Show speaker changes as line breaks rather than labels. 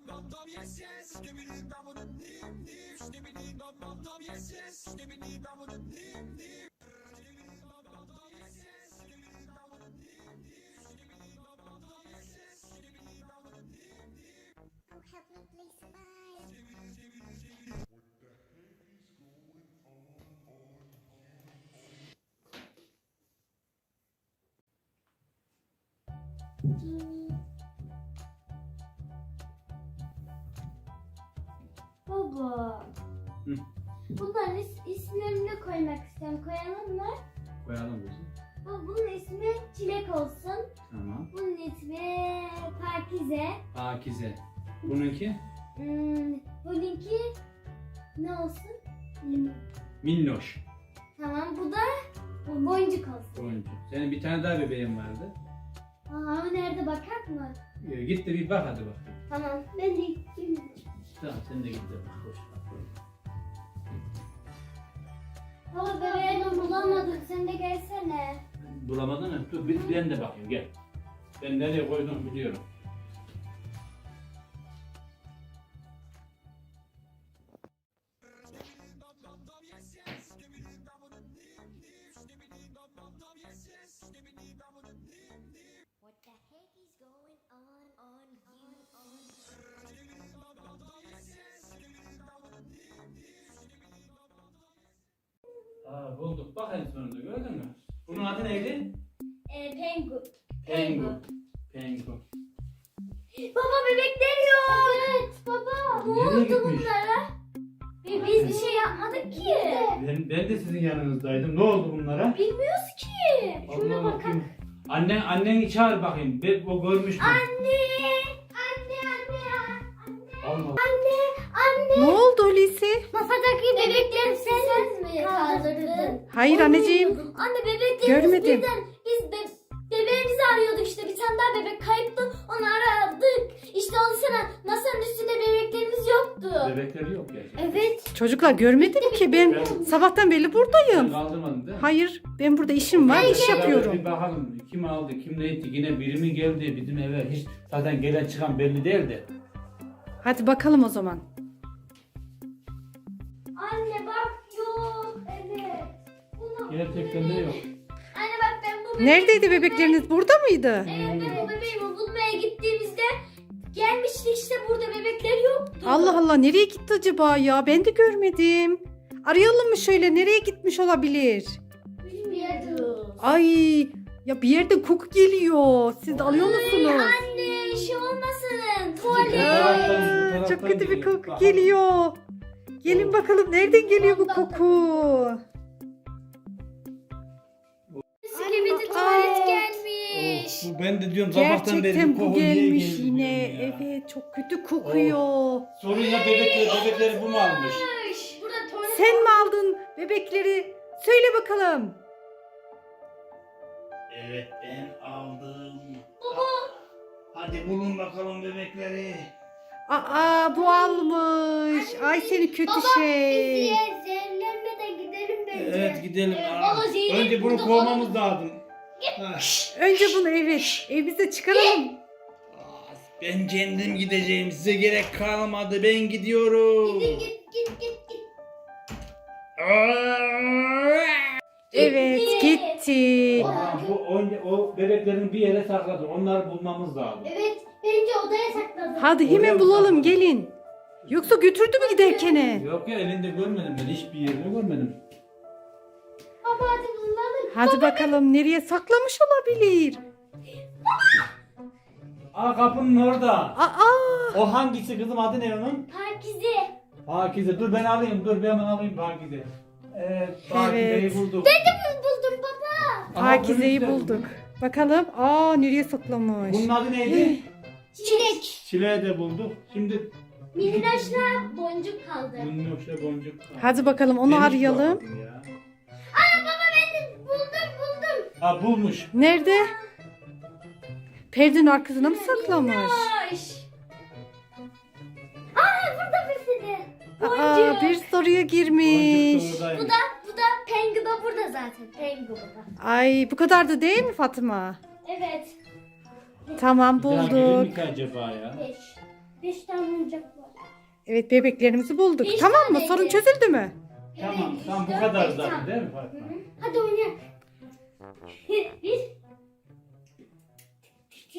Baba.
Hı.
Bunların isimlerini koymak istiyorum. Koyalım mı?
Koyalım kızım.
Baba, bunun ismi Çilek olsun.
Tamam.
Bunun ismi Pakize.
Pakize. Bununki?
Bununki ne olsun? Limon.
Minnoş.
Tamam, bu da boncuk olsun.
Oyuncu. Senin bir tane daha bebeğin vardı.
Aa, nerede, bakar mı?
Git de bir bak hadi bak.
Tamam, ben de gideyim.
Tamam sen de git de bak. Hoş bak.
Baba, bebeğini bulamadık. Sen de gelsene.
Bulamadın mı? Dur ben de bakayım gel. Ben nereye koydum biliyorum.
What the heck is going on
Aa bulduk. Bak en sonunda gördün mü? Bunun adı neydi?
Pengu.
Pengu. Pengu.
Baba, bebekler yok. Evet baba. Ne
Nereye
oldu
gitmiş?
bunlara? Biz bir şey yapmadık ki.
Ben de sizin yanınızdaydım. Ne oldu bunlara?
Bilmiyoruz ki. Şuna
Allah
bakalım.
bakayım. Anneni çağır bakayım. O görmüş mü?
Anne.
Allah.
Anne.
Ne oldu Hulusi?
Masadaki bebekleri sen mi kaldırdın?
Hayır anneciğim.
Anne, bebeklerimiz
Görmedim.
birden biz bebeğimizi arıyorduk işte, bir tane daha bebek kayıptı, onu aradık. İşte oldu sana, masanın üstünde bebeklerimiz yoktu.
Bebekleri yok gerçekten.
Evet.
Çocuklar görmedim ki ben sabahtan beri
Sen
buradayım.
kaldırmadın değil mi?
Hayır ben burada işim var, iş
Beraber
yapıyorum.
Bir bakalım kim aldı, kim ne etti, yine biri mi geldi bizim eve, hiç zaten gelen çıkan belli değildi.
Hadi bakalım o zaman.
Anne bak, yok. Evet. Bunu
Gerçekten de yok.
Anne bak, ben bu bebeği...
Neredeydi bebekleriniz? Burada mıydı?
Evet, ben bu bebeğimi bulmaya gittiğimizde gelmişti işte, burada bebekler yoktu.
Allah Allah, nereye gitti acaba ya? Ben de görmedim. Arayalım mı şöyle, nereye gitmiş olabilir?
Bilmiyorum.
Ay ya, bir yerden koku geliyor. Siz de alıyor musunuz?
Anne, şey olmasın. Tuvalet.
Aa, çok kötü bir koku geliyor. Gelin bakalım, nereden geliyor bu koku?
Skibidi
Aa.
tuvalet gelmiş.
Ben de diyorum sabahtan beri
Gerçekten bu
koku niye
gelmiş
geldi
yine.
diyorum ya.
Evet, çok kötü kokuyor.
Sorun ya bebekleri bu mu almış?
Burada tuvalet.
Sen mi aldın bebekleri? Söyle bakalım.
Evet ben aldım. Hadi bulun bakalım bebekleri.
Aa, bu almış. Ay seni kötü şey.
Zehirlenmeden gidelim bence.
Evet gidelim.
baba, zehir
Önce bunu
burada
kovmamız lazım. Ha.
Önce bunu evimize çıkaralım.
Ben kendim gideceğim. Size gerek kalmadı. Ben gidiyorum.
Git.
Evet, gitti.
O bebeklerin bir yere sakladı. Onları bulmamız lazım.
Evet, bence odaya sakladım.
Hadi hemen bulalım, gelin. Yoksa götürdü mü giderkene?
Yok ya elinde görmedim ben. Hiçbir yerde görmedim.
Baba, hadi bulalım.
Hadi bakalım, nereye saklamış olabilir?
Aa kapının orada.
Aa,
O hangisi kızım adı ne onun?
Pakize.
Pakize. Dur ben alayım. Dur ben hemen alayım Pakize. Evet Pakize'yi
Evet.
bulduk.
Buldum baba.
Aha,
Pakize'yi
bunu
bulduk. Bakalım. Nereye saklamış?
Bunun adı neydi?
Çilek.
Çileği de bulduk. Şimdi
Minnoşla boncuk kaldı.
bunun yoksa boncuk.
Hadi bakalım, onu
Ben hiç
arayalım.
bakmadım ya.
Baba, ben de buldum.
Ha bulmuş.
Nerede? Perdenin arkasına mı saklamış?
Minnoş. Burada bir sürü.
Aa, bir soruya girmiş.
Boncuk da oradaymış.
Bu da Pengu da burada zaten. Pengu burada.
Ay, bu kadar da değil mi Fatıma?
Evet.
Tamam,
Bir daha gelir
bulduk.
mi ki acaba ya?
5. 5 tane oyuncak var.
Evet bebeklerimizi bulduk.
Beş
Tamam mı?
taneydi.
Sorun çözüldü mü?
Tamam
Evet,
tamam bu
işte
kadar
beş
zaten
tane.
değil mi Fatma?
Hadi oynayalım. Bir